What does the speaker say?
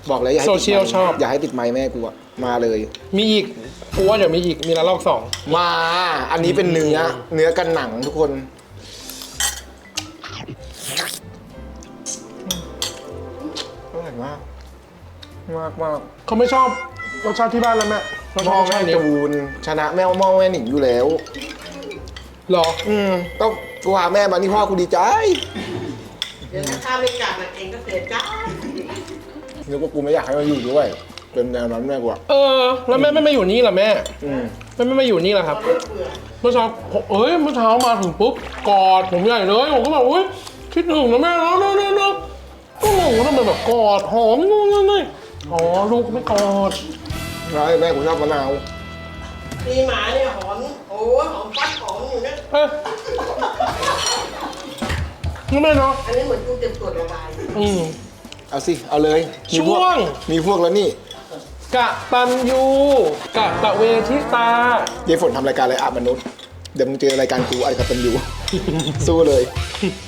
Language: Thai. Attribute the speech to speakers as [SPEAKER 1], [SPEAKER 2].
[SPEAKER 1] บอกเลยอย่าให้
[SPEAKER 2] โซ
[SPEAKER 1] ติด
[SPEAKER 2] เชียล
[SPEAKER 1] ไมค์
[SPEAKER 2] ชอบ
[SPEAKER 1] อย่าให้ติดไมค์แม่กูอะมาเลย
[SPEAKER 2] มีอีกกูว่าเดี๋ยวมีอีกมีละลอกสอง
[SPEAKER 1] มา อันนี้เป็นเนื้อกันหนังทุกคนอร่อยมากมาก
[SPEAKER 2] เขาไม่ชอบรสชาติที่บ้านแล้วแม่เขาช
[SPEAKER 1] หม้
[SPEAKER 2] อ
[SPEAKER 1] อบ
[SPEAKER 2] รส
[SPEAKER 1] แม่
[SPEAKER 2] ชาตินี้
[SPEAKER 1] จูนชนะแม่หม้อแม่หนิงอยู่แล้ว
[SPEAKER 2] หรอ
[SPEAKER 1] ต้องกูหาแม่มานี่พ่อกูดีใจ
[SPEAKER 3] เดี๋ยวถ้าข้าวไม่กลับมาเองก็เสียใจ
[SPEAKER 1] นึกว่ากูไม่อยากให้มาอยู่ด้วยเป็นแนวนั้นแม่กูอะ
[SPEAKER 2] เออ แล้วแม่ไม่มาอยู่นี่ล่ะแม่
[SPEAKER 1] อืม
[SPEAKER 2] แม่ไม่มาอยู่นี่ล่ะครับ เมื่อเช้าเอ้ยเมื่อเช้ามาถึงปุ๊บกอดผมใหญ่เลยผมก็แบบอุ้ยคิดถึงนะแม่แล้วนะก็งงว่าทำไมแบบกอดหอมงงเลยอ๋อลูกไม่กอด
[SPEAKER 1] ใช่แม่กูชอบมะนาว
[SPEAKER 3] มีหมาเนี่ยหอมโอ้หอมฟัดหอมอยู่เนี่ย
[SPEAKER 2] เอ้ยนี่แม่เนาะ
[SPEAKER 3] อันนี้เหมือนกูเก็บตรวจระบาย
[SPEAKER 1] เอาสิเอาเลยมีพก
[SPEAKER 2] ช่วง
[SPEAKER 1] มีพวกแล้วนี่
[SPEAKER 2] กะตันยูกะตะเวทิตา
[SPEAKER 1] ยายฝนทำรายการอะไรอาบมนุษย์เดี๋ยวมึงเจอรายการกูอะไรกับตันอยู่ สู้เลย